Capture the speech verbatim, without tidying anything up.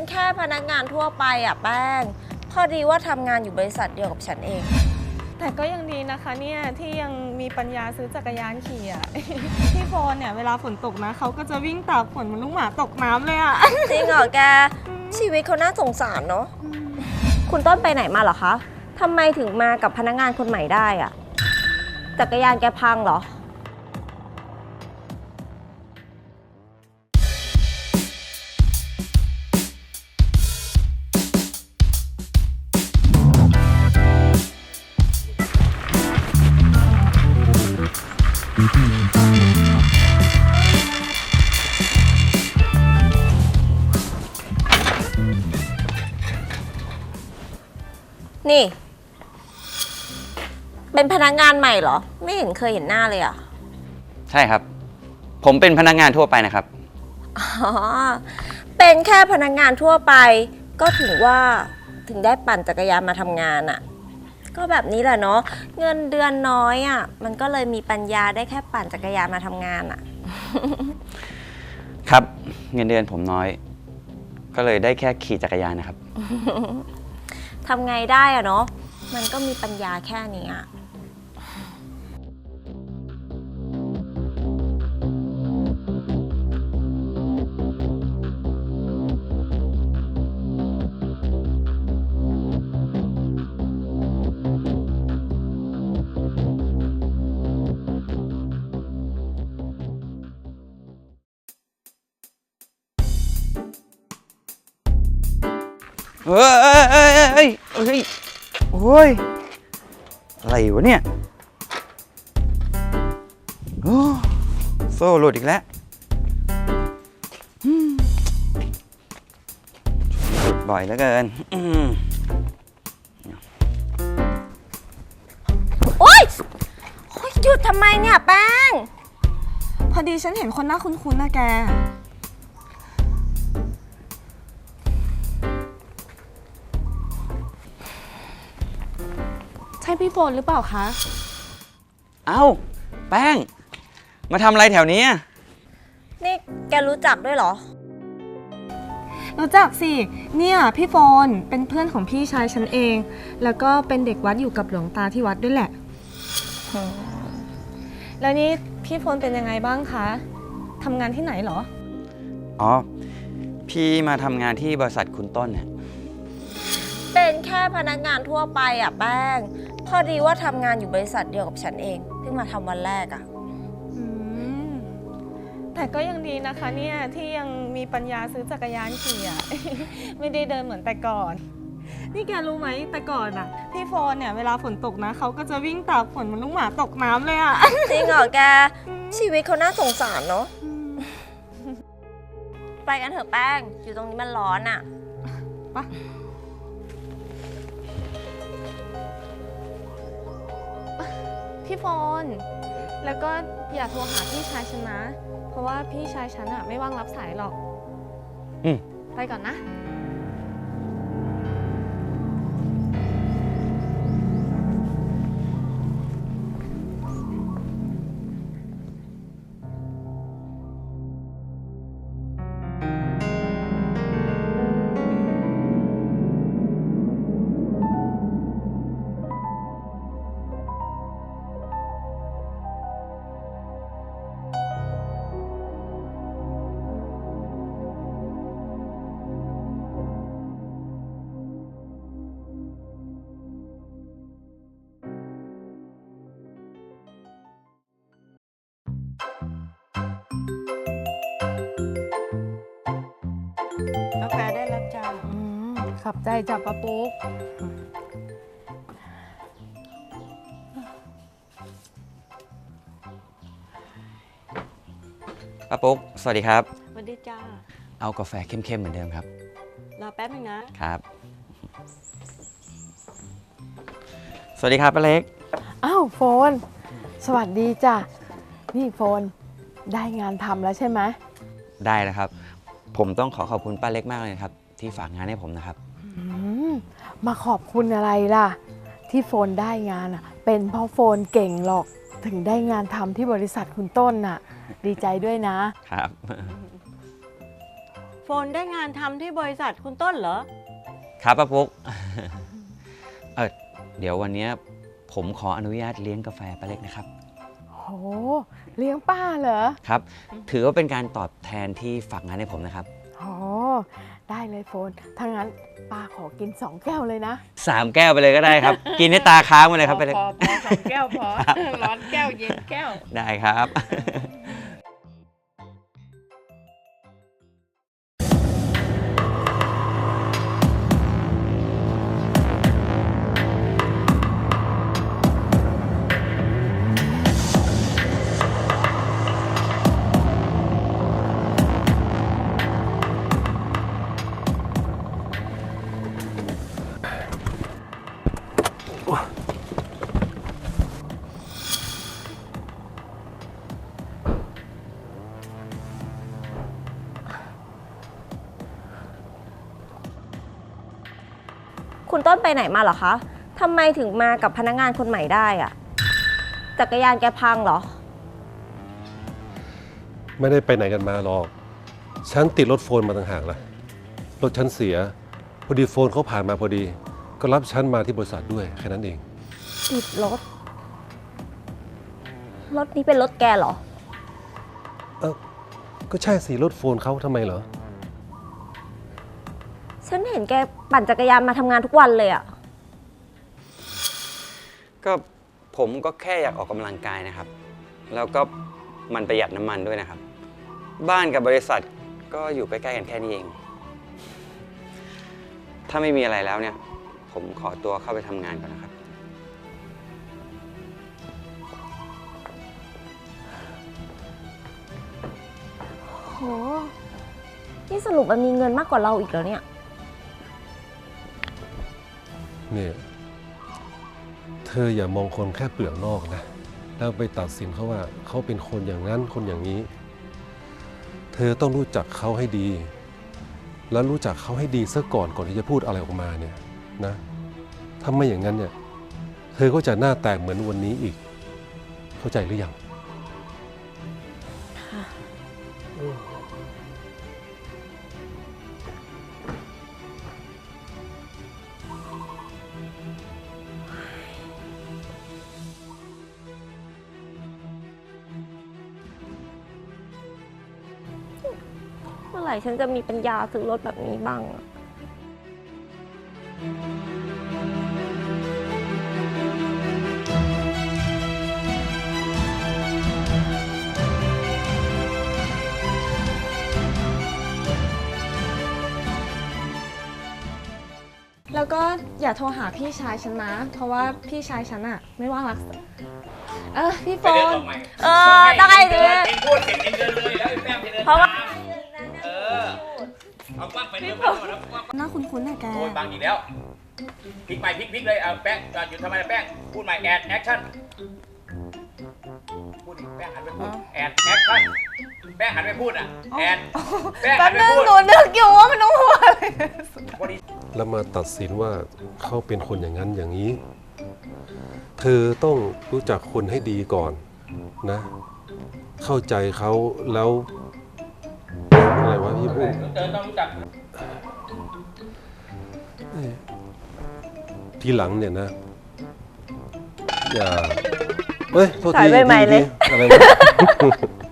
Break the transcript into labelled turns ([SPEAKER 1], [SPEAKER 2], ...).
[SPEAKER 1] แค่พนักงานทั่วไปอ่ะแป้งพอดีว่าทำงานอยู่บริษัทเดียวกับฉันเอง
[SPEAKER 2] แต่ก็ยังดีนะคะเนี่ยที่ยังมีปัญญาซื้อจักรยานขี่อ่ะ พี่โฟนเนี่ยเวลาฝนตกนะเขาก็จะวิ่งตากฝนเหมือนลูกหมาตกน้ำเลยอ่ะ
[SPEAKER 1] จริงเหรอแกชีวิตเขาน่าสงสารเนาะคุณต้นไปไหนมาเหรอคะทำไมถึงมากับพนักงานคนใหม่ได้อ่ะจักรยานแกพังเหรอนี่ เป็นพนักงานใหม่เหรอไม่เห็นเคยเห็นหน้าเลยอ่ะ
[SPEAKER 3] ใช่ครับผมเป็นพนักงานทั่วไปนะครับ
[SPEAKER 1] อ๋อเป็นแค่พนักงานทั่วไปก็ถึงว่าถึงได้ปั่นจักรยานมาทำงานอ่ะก็แบบนี้แหละเนาะเงินเดือนน้อยอ่ะมันก็เลยมีปัญญาได้แค่ปั่นจักรยานมาทำงานอ่ะ
[SPEAKER 3] ครับเงินเดือนผมน้อย ก็เลยได้แค่ขี่จักรยานนะครับ
[SPEAKER 1] ทำไงได้อะเนาะมันก็มีปัญญาแค่นี้อะ
[SPEAKER 3] เฮ้ยเฮ้ยเฮ้ยเฮ้ยโอ้ยอะไรวะเนี่ยโอ้โซ่หลุดอีกแล้วหลุดบ่อยเหลือเกิน
[SPEAKER 1] โอ๊ยโอ๊ยหยุดทำไมเนี่ยแป้ง
[SPEAKER 2] พอดีฉันเห็นคนหน้าคุ้นๆนะแกใช่พี่โฟนหรือเปล่าคะ
[SPEAKER 3] เอ้าแป้งมาทำอะไรแถวนี้
[SPEAKER 1] นี่แกรู้จักด้วยเหรอ
[SPEAKER 2] รู้จักสิเนี่ยพี่โฟนเป็นเพื่อนของพี่ชายฉันเองแล้วก็เป็นเด็กวัดอยู่กับหลวงตาที่วัดด้วยแหละแล้วนี่พี่โฟนเป็นยังไงบ้างคะทำงานที่ไหนเหรอ
[SPEAKER 3] อ๋อพี่มาทำงานที่บริษัทคุณต้นเนี่ย
[SPEAKER 1] เป็นแค่พนักงานทั่วไปอ่ะแป้งพอดีว่าทำงานอยู่บริษัทเดียวกับฉันเองเพิ่งมาทำวันแรกอ่ะ
[SPEAKER 2] แต่ก็ยังดีนะคะเนี่ยที่ยังมีปัญญาซื้อจักรยานขี่อ่ะ ไม่ได้เดินเหมือนแต่ก่อนนี่แกรู้ไหมแต่ก่อนอ่ะพี่โฟนเนี่ยเวลาฝนตกนะเขาก็จะวิ่งตากฝนเหมือนลูกหมาตกน้ำเลยอ่ะ
[SPEAKER 1] จริงเหรอแกชีวิตเขาน่าสงสารเนาะไปกันเถอะแป้งอยู่ตรงนี้มันร้อนอ่ะ
[SPEAKER 2] ไปพี่โฟนแล้วก็อย่าโทรหาพี่ชายฉันนะเพราะว่าพี่ชายฉันอะไม่ว่างรับสายหรอก
[SPEAKER 3] อืม
[SPEAKER 2] ไปก่อนนะ
[SPEAKER 1] กาแฟได้แล้วจ้า
[SPEAKER 2] ขับใจจับปะปุ๊ก
[SPEAKER 3] ป้าปุ๊กสวัสดีครับ
[SPEAKER 1] สวัสดีจ้า
[SPEAKER 3] เอากาแฟเข้มๆเหมือนเดิมครับ
[SPEAKER 1] รอแป๊บนึง
[SPEAKER 3] นะครับสวัสดีครับป้าเล็ก
[SPEAKER 4] อ้าวโฟนสวัสดีจ้ะนี่โฟนได้งานทำแล้วใช่ไหม
[SPEAKER 3] ได้แล้วครับผมต้องขอขอบคุณป้าเล็กมากเลยครับที่ฝากงานให้ผมนะครับ
[SPEAKER 4] มาขอบคุณอะไรล่ะที่โฟนได้งานอ่ะเป็นเพราะโฟนเก่งหรอกถึงได้งานทำที่บริษัทคุณต้นน่ะดีใจด้วยนะครับ
[SPEAKER 5] โฟนได้งานทำที่บริษัทคุณต้นเหรอ
[SPEAKER 3] ครับป้าปุ๊ก เออเดี๋ยววันเนี้ยผมขออนุญาตเลี้ยงกาแฟป้าเล็กนะครับ
[SPEAKER 4] โหเลี้ยงป้าเหรอ
[SPEAKER 3] ครับ ถือว่าเป็นการตอบแทนที่ฝากงานให้ผมนะครับ
[SPEAKER 4] โหได้เลยโฟนถ้างั้นป้าขอกินสองแก้วเลยนะ
[SPEAKER 3] สามแก้วไปเลยก็ได้ครับ กินให้ตาค้างไปเลยครับป้าเล็ก
[SPEAKER 5] พอพอสองแก้วพอ ร้อนแก้วเย็นแก้ว
[SPEAKER 3] ได้ครับ
[SPEAKER 1] คุณต้นไปไหนมาเหรอคะทำไมถึงมากับพนักงานคนใหม่ได้อะจักรยานแกพังเหรอ
[SPEAKER 6] ไม่ได้ไปไหนกันมาหรอก ฉันติดรถโฟนมาต่างหากล่ะ รถฉันเสีย พอดีโฟนเขาผ่านมาพอดี ก็รับฉันมาที่บริษัทด้วยแค่นั้นเอง
[SPEAKER 1] ติดรถ รถนี้เป็นรถแกเหรอ
[SPEAKER 6] เออก็ใช่สิรถโฟนเขาทำไมเหรอ
[SPEAKER 1] ฉันเห็นแกปั่นจักรยานมาทำงานทุกวันเลยอะ
[SPEAKER 3] ก็ผมก็แค่อยากออกกำลังกายนะครับ แล้วก็มันประหยัดน้ำมันด้วยนะครับ บ้านกับบริษัทก็อยู่ใกล้ๆกันแค่นี้เอง ถ้าไม่มีอะไรแล้วเนี่ย ผมขอตัวเข้าไปทำงานก่อนนะครับ
[SPEAKER 1] โห นี่สรุปมันมีเงินมากกว่าเราอีกแล้วเนี่ย
[SPEAKER 6] เนี่ย เธออย่ามองคนแค่เปลือกนอกนะ แล้วไปตัดสินเขาว่าเขาเป็นคนอย่างนั้นคนอย่างนี้ เธอต้องรู้จักเขาให้ดี แล้วรู้จักเขาให้ดีซะก่อนก่อนที่จะพูดอะไรออกมาเนี่ยนะ ถ้าไม่อย่างนั้นเนี่ย เธอก็จะหน้าแตกเหมือนวันนี้อีก เข้าใจหรือยัง
[SPEAKER 1] เมื่อไหร่ฉันจะมีปัญญาซื้อรถแบบนี้บ้างอะ
[SPEAKER 2] แล้วก็อย่าโทรหาพี่ชายฉันนะ เพราะว่าพี่ชายฉันอะไม่ว่างรักษาเออพี่โฟน
[SPEAKER 1] เออได้เลย
[SPEAKER 7] เองพูดเสร็จเองเดินเลยแล้วไอ้แป้งไปเดิน
[SPEAKER 1] เพราะว่า
[SPEAKER 7] ตามเออเอากว้างไปเดินมาก่อนนะกว้าง
[SPEAKER 2] หน้าคุ้นๆน่ะแก
[SPEAKER 7] โอ้ยบางอีกแล้วพลิกใหม่พลิกพลิกเลยเอาแป้งหยุดทำไมนะแป้งพูดใหม่แอดแอคชั่นพูดดิแป้งหันไปพูดแอดแอคชั่นแป้งหันไปพูดอ่ะแอดแป้งหั
[SPEAKER 2] แป๊บ
[SPEAKER 7] นไป
[SPEAKER 2] นึง
[SPEAKER 7] พูด
[SPEAKER 2] หนูนึกอยู่ว่ามันต้องหัวอะไร
[SPEAKER 7] พอดี
[SPEAKER 6] แล้วมาตัดสินว่าเขาเป็นคนอย่างนั้นอย่างนี้ เธอต้องรู้จักคนให้ดีก่อนนะ เข้าใจเขาแล้วอะไรวะพี่พูด
[SPEAKER 7] เดินต้องรู้จัก
[SPEAKER 6] ทีหลังเนี่ยนะ อย่าเฮ้ยโทษ
[SPEAKER 1] ถ่า
[SPEAKER 6] ที
[SPEAKER 1] ยใหม่ๆเลย
[SPEAKER 6] ทีอะไรวะ